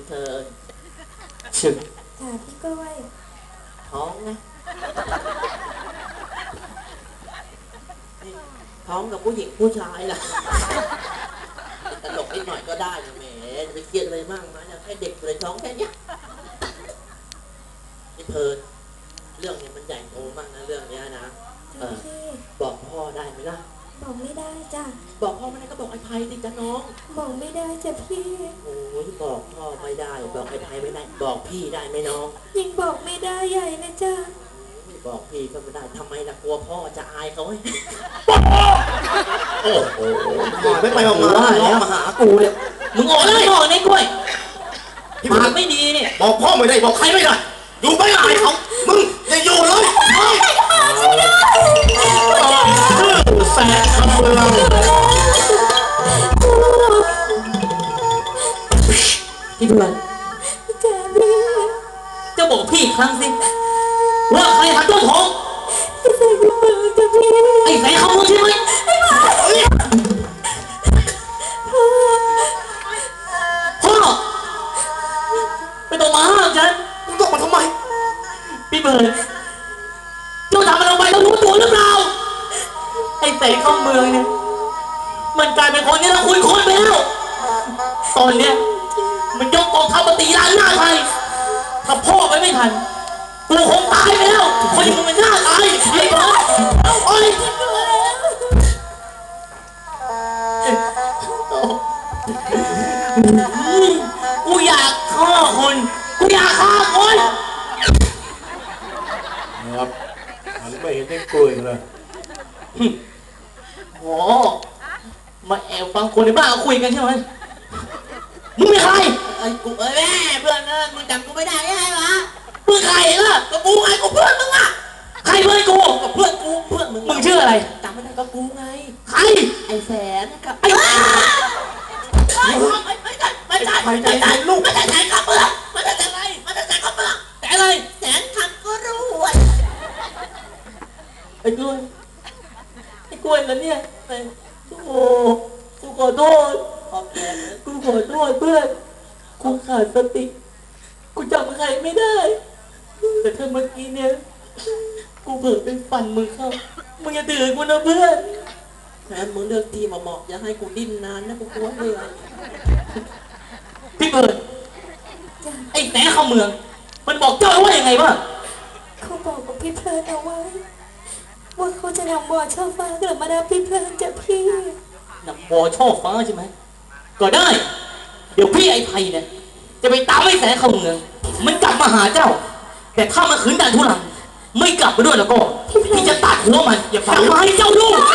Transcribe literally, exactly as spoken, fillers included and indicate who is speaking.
Speaker 1: เธอชึก
Speaker 2: จ้าพี่กล้วย
Speaker 1: ท้องนะท้องกับผู้หญิงผู้ชายล่ะตลกนิดหน่อยก็ได้นะแหมจะไปเครียดอะไรมากนะแค่เด็กเลยท้องแค่นี้นี่เพลินเรื่องนี้มันใหญ่โตมากนะเรื่องนี้นะเออบอกพ่อได้ไหมล่ะ
Speaker 2: บอกไม่ได้จ้ะ
Speaker 1: บอกพ่อไม่ได้ก็บอกไอ้ไพสิจ้ะน้อง
Speaker 2: บอกไม่ได้จ้ะพี่
Speaker 1: โอ้ยบอกพ่อไม่ได้บอกไอ้ไพไม่ได้บอกพี่ได้ไหมน้อง
Speaker 2: ยิ่งบอกไม่ได้ใหญ่เลยจ้ะ
Speaker 1: บอกพี่ก็ไม่ได้ทำไมล่ะกลัวพ่อจะอายเขาไหมโอ้โห
Speaker 3: ไม่ไปออกมาแล้วมาหากูเนี่ย
Speaker 1: มึงออกเลยออกในกล้วยปากไม่ดีเนี่ย
Speaker 3: บอกพ่อไม่ได้บอกใครไม่ได้อยู่ไม่ได้เขามึงอย่าอยู่เลยแสบคำเมือง
Speaker 1: พี่เพื่อนจะบอกพี่ครั้งสิว่าใครหันต้นทองไอ้แสงเขาใช่ไหมพ่อไม่ต้องมาห้ามฉัน
Speaker 3: มึงต้องมาทำไม
Speaker 1: พี่เบิร์ดเจ้าทำอะไรลงไปต้องรู้ตัวหรือเปล่าไอ้แสงเข้าเมืองเนี่ยมันกลายเป็นคนนี้แล้วคุยคนไปแล้วตอนเนี้ยมันยกกองทัพมาตีล้านหน้าไทยถ้าพ่อไปไม่ทันกูคงตายไปแล้วคนอย่างมึงมันหน้าตายไอ้บ้าโอ้ยกูอยากฆ่าคนกูอยากฆ่าคน
Speaker 3: นะครับอันไม่เห็นได้กล้วยเลย
Speaker 1: โอ้มาแอบฟังคนในบ้านคุยกันใช่ไหมมึงเป็นใครไอ้กูเอ้ยแม่เพื่อนเออมึงจำกูไม่ได้ไงวะมึงใครล่ะก็กูไงกูเพื่อนมึงอ่ะใครเพื่อนกูกับเพื่อนกูเพื่อนมึงมึงชื่ออะไรจำไม่ได้ก็กูไงใครไอ้แสนกับไอ้ไม่ไม่ใช่ไม่ใช่ไม่ใช่ไม่ใช่ลูกไม่ใช่แสนกับเพื่อนไม่ใช่อะไรไม่ใช่แสนกับเพื่อนแต่อะไรแสนคำก็รู้ไอ้กล้วยไอ้กล้วยแล้วเนี่ยโอ้กูขอโทษกูขอโทษเพื่อนกูขาดสติกูจำใครไม่ได้แต่ถ้าเมื่อกี้เนี่ยกูเผลอไปฟันมึงเข้ามึงอย่าตื่นกูนะเพื่อนแทนมึงเลือกที่มาเหมาะอย่าให้กูดิ้นนานนะกูกลัวเหนื่อยพี่เบิร์ดไอ้แหนเข้าเมืองมันบอกเจ้าว่ายังไงบ้าง
Speaker 2: เขาบอกกับพี่เพลินเอาไว้ว่าเขาจะนำบัวช่อฟ้ากลับมารับพี่เพลินจากพี่
Speaker 1: นำบัวช่อฟ้าใช่ไหมก็ได้เดี๋ยวพี่ไอ้ไพเนี่ยจะไปตามไอ้แสนเข้าเมืองมันกลับมาหาเจ้าแต่ถ้ามันขืนดันทุรังไม่กลับมาด้วยแล้วก็พี่จะตัดหัวมันอย่าฟังมาให้เจ้าดู